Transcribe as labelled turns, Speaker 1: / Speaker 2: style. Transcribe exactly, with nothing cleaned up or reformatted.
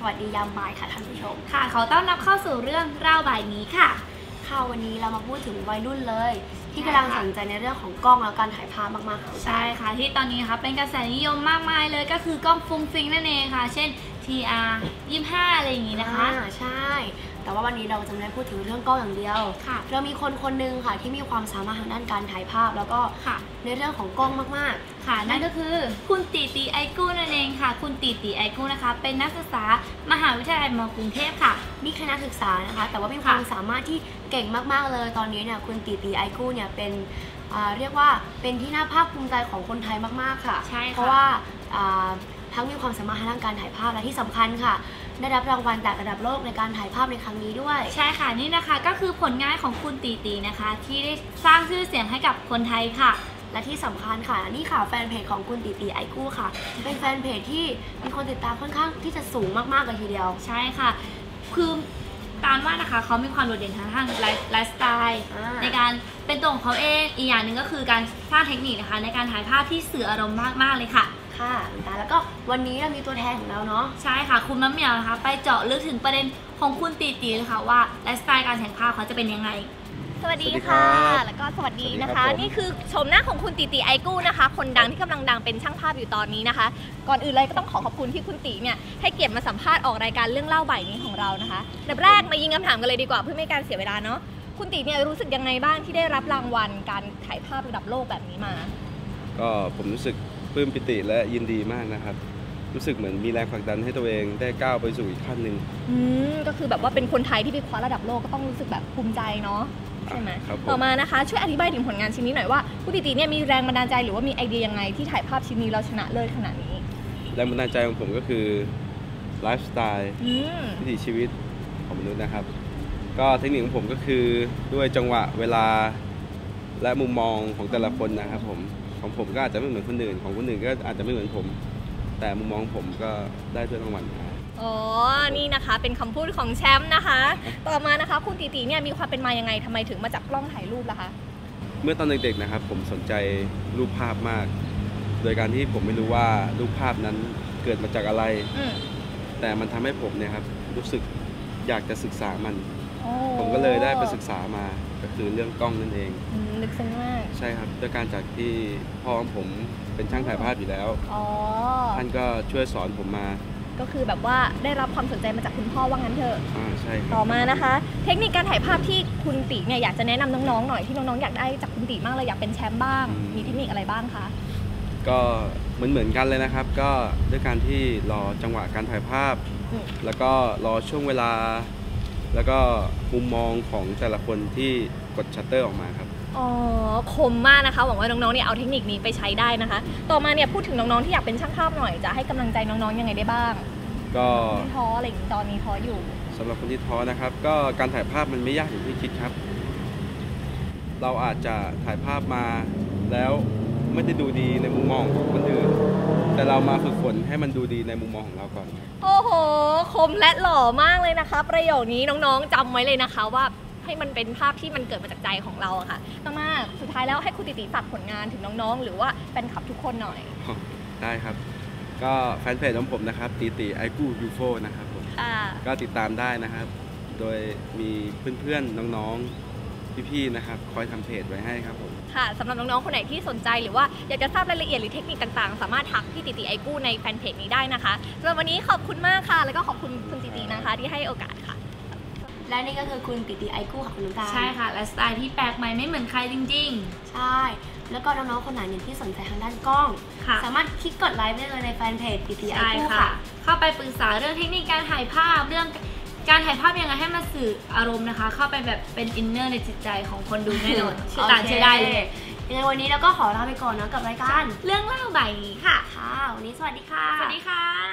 Speaker 1: วัสดียามบ่ายค่ะท่านผู้ชม
Speaker 2: ค่ะขอต้อนรับเข้าสู่เรื่องเล่าบ่ายนี้ค่ะ
Speaker 1: ค่ะวันนี้เรามาพูดถึงวัยรุ่นเลยที่กำลังสนใจในเรื่องของกล้องและการถ่ายภาพมากๆค่ะ
Speaker 2: ใช่ค่ะที่ตอนนี้นะคะเป็นกระแสนิยมมากมายเลยก็คือกล้องฟุ้งฟิ้งนั่นเองค่ะเช่น ที อาร์ ยี่สิบห้า อะไรอย่างนี้นะคะ
Speaker 1: ใช่แต่ว่าวันนี้เราจะไม่ได้พูดถึงเรื่องกล้องอย่างเดียวเรามีคนคนหนึ่งค่ะที่มีความสามารถทางด้านการถ่ายภาพแล้วก็ในเรื่องของกล้องมาก
Speaker 2: ๆค่ะนั่นก็คือคุณตีตีไอกู้นั่นเองค่ะคุณตีตีไอกู้นะคะเป็นนักศึกษามหาวิทยาลัยม.กรุงเทพค่ะ
Speaker 1: นี่แค่นักศึกษานะคะแต่ว่ามีความสามารถที่เก่งมากๆเลยตอนนี้เนี่ยคุณตีตีไอกู้เนี่ยเป็นเรียกว่าเป็นที่น่าภาคภูมิใจของคนไทยมากๆค่ะ
Speaker 2: ใช่
Speaker 1: เพราะว่าทั้งมีความสามารถทางด้านการถ่ายภาพและที่สำคัญค่ะได้รับรางวัลจากระดับโลกในการถ่ายภาพในครั้งนี้ด้วย
Speaker 2: ใช่ค่ะนี่นะคะก็คือผลงานของคุณตีตีนะคะที่ได้สร้างชื่อเสียงให้กับคนไทยค่ะ
Speaker 1: และที่สำคัญค่ะนี่ค่ะแฟนเพจของคุณตีตีไอกู้ค่ะเป็นแฟนเพจที่มีคนติดตามค่อนข้างที่จะสูงมากๆเลยทีเดียว
Speaker 2: ใช่ค่ะคือการว่านะคะเขามีความโดดเด่นทางทางไลฟ์สไตล์ในการเป็นตัวของเขาเองอีกอย่างหนึ่งก็คือการสร้างเทคนิคนะคะในการถ่ายภาพที่สื่ออารมณ์มากๆเลยค่ะ
Speaker 1: ค่ะแล้วก็วันนี้เรามีตัวแทนของเราเนาะ
Speaker 2: ใช่ค่ะคุณมะเหมียวนะคะไปเจาะลึกถึงประเด็นของคุณตีตีเลยค่ะว่าไลฟ์สไตล์การแต่งภาพเขาจะเป็นยังไง
Speaker 3: สวัสดีค่ะแล้วก็สวัสดีนะคะนี่คือชมหน้าของคุณตีตีไอกู้นะคะคนดังที่กำลังดังเป็นช่างภาพอยู่ตอนนี้นะคะก่อนอื่นเลยก็ต้องขอขอบคุณที่คุณตีเนี่ยให้เกียรติมาสัมภาษณ์ออกรายการเรื่องเล่าบ่ายนี้ของเรานะคะแบบแรกมายิงคำถามกันเลยดีกว่าเพื่อไม่ให้การเสียเวลาเนาะคุณตีเนี่ยรู้สึกยังไงบ้างที่ได้รับรางวัลการถ่ายภาพระดับโลกแบบนี้มา
Speaker 4: ก็ผมรู้สึกปลื้มปิติและยินดีมากนะครับรู้สึกเหมือนมีแรงผลักดันให้ตัวเองได้ก้าวไปสู่อีกขั้นหนึ่ง
Speaker 3: อืมก็คือแบบว่าเป็นคนไทยที่ไปคว้าระดับโลกก็ต้องรู้สึกแบบภูมิใจเนาะใช่ไหมต่อมานะคะช่วยอธิบายถึงผลงานชิ้นนี้หน่อยว่าคุณตีตีเนี่ยมีแรงบันดาลใจหรือว่ามีไอเดียยังไงที่ถ่ายภาพชิ้นนี้เราชนะเลิศขนาดนี้
Speaker 4: แรงบันดาลใจของผมก็คือไลฟ์สไตล์วิถีชีวิตของมนุษย์นะครับก็เทคนิคของผมก็คือด้วยจังหวะเวลาและมุมมองของแต่ละคนนะครับผมของผมก็อาจจะไม่เหมือนคนอื่นของคนอื่นก็อาจจะไม่เหมือนผมแต่มุมมองผมก็ได้ด้วยรางวัลมา
Speaker 3: อ๋อนี่นะคะเป็นคำพูดของแชมป์นะคะต่อมานะคะคุณตีตีเนี่ยมีความเป็นมายังไงทำไมถึงมาจับกล้องถ่ายรูปล่ะคะ
Speaker 4: เมื่อตอนเด็กๆนะครับผมสนใจรูปภาพมากโดยการที่ผมไม่รู้ว่ารูปภาพนั้นเกิดมาจากอะไรแต่มันทำให้ผมเนี่ยครับรู้สึกอยากจะศึกษามันผมก็เลยได้ไปศึกษามาก็คือเรื่องกล้องนั่นเอง
Speaker 3: ลึกซึ้งมาก
Speaker 4: ใช่ครับด้วยการจากที่พ่อของผมเป็นช่างถ่ายภาพอยู่แล้วท่านก็ช่วยสอนผมมา
Speaker 3: ก็คือแบบว่าได้รับความสนใจมาจากคุณพ่อว่างั้นเถอะ
Speaker 4: อ่าใช่
Speaker 3: ต่อมานะคะเทคนิคการถ่ายภาพที่คุณตีเนี่ยอยากจะแนะนำน้องๆหน่อยที่น้องๆอยากได้จากคุณตีมากเลยอยากเป็นแชมป์บ้างมีเทคนิคอะไรบ้างคะ
Speaker 4: ก็เหมือนเหมือนกันเลยนะครับก็ด้วยการที่รอจังหวะการถ่ายภาพแล้วก็รอช่วงเวลาแล้วก็มุมมองของแต่ละคนที่กดชัตเตอร์ออกมาครับ
Speaker 3: อ๋อคมมากนะคะหวังว่าน้องๆเนี่ยเอาเทคนิคนี้ไปใช้ได้นะคะต่อมาเนี่ยพูดถึงน้องๆที่อยากเป็นช่างภาพหน่อยจะให้กำลังใจน้องๆยังไงได้บ้าง
Speaker 4: ก็
Speaker 3: ไม่ท้ออะไรอย่างนี้ตอนนี้ท้ออยู่
Speaker 4: สำหรับคนที่ท้อนะครับก็การถ่ายภาพมันไม่ยากอย่างที่คิดครับเราอาจจะถ่ายภาพมาแล้วไม่ได้ดูดีในมุมมองของคนอื่นแต่เรามาฝึกฝนให้มันดูดีในมุมมองของเราก่อน
Speaker 3: โอ้โหคมและหล่อมากเลยนะคะประโยคนี้น้องๆจำไว้เลยนะคะว่าให้มันเป็นภาพที่มันเกิดมาจากใจของเราอะค่ะมากๆสุดท้ายแล้วให้คุณตีตีฝากผลงานถึงน้องๆหรือว่าแฟนคลับทุกคนหน่อย
Speaker 4: ได้ครับก็แฟนเพจของผมนะครับตีตีไอกู้ยูโฟนะครับผมก็ติดตามได้นะครับโดยมีเพื่อนๆน้องๆพี่ๆนะครับคอยทำเพจไว้ให้ครับผม
Speaker 3: ค่ะสำหรับน้องๆคนไหนที่สนใจหรือว่าอยากจะทราบรายละเอียดหรือเทคนิคต่างๆสามารถทักพี่ตีตีไอกู้ในแฟนเพจนี้ได้นะคะสำหรับวันนี้ขอบคุณมากค่ะแล้วก็ขอบคุณคุณตีตีนะคะที่ให้โอกาสค่ะ
Speaker 1: และนี่ก็คือคุณตีตีไอกู้ค่ะคุณลุงการ
Speaker 2: ใช่ค่ะและสไตล์ที่แปลกใหม่ไม่เหมือนใครจริง
Speaker 1: ๆใช่แล้วก็น้องๆคนไหนที่สนใจทางด้านกล้องสามารถคลิกกดไลค์ได้เลยในแฟนเพจตีตีไอกู้ค่ะ
Speaker 2: เข้าไปปรึกษาเรื่องเทคนิคการถ่ายภาพเรื่องการถ่ายภาพยังไงให้มันสื่ออารมณ์นะคะเข้าไปแบบเป็นอินเนอร์ในจิตใจของคนดูแน่นอนเชื่อตาเชื่อได้เลย
Speaker 1: ยังไงวันนี้เราก็ขอลาไปก่อนนะกับรายการ
Speaker 2: เรื่องเล่าบ่ายนี้ค่ะ
Speaker 1: ค่ะวันนี้สวัสดีค่ะ
Speaker 2: สวัสดีค่ะ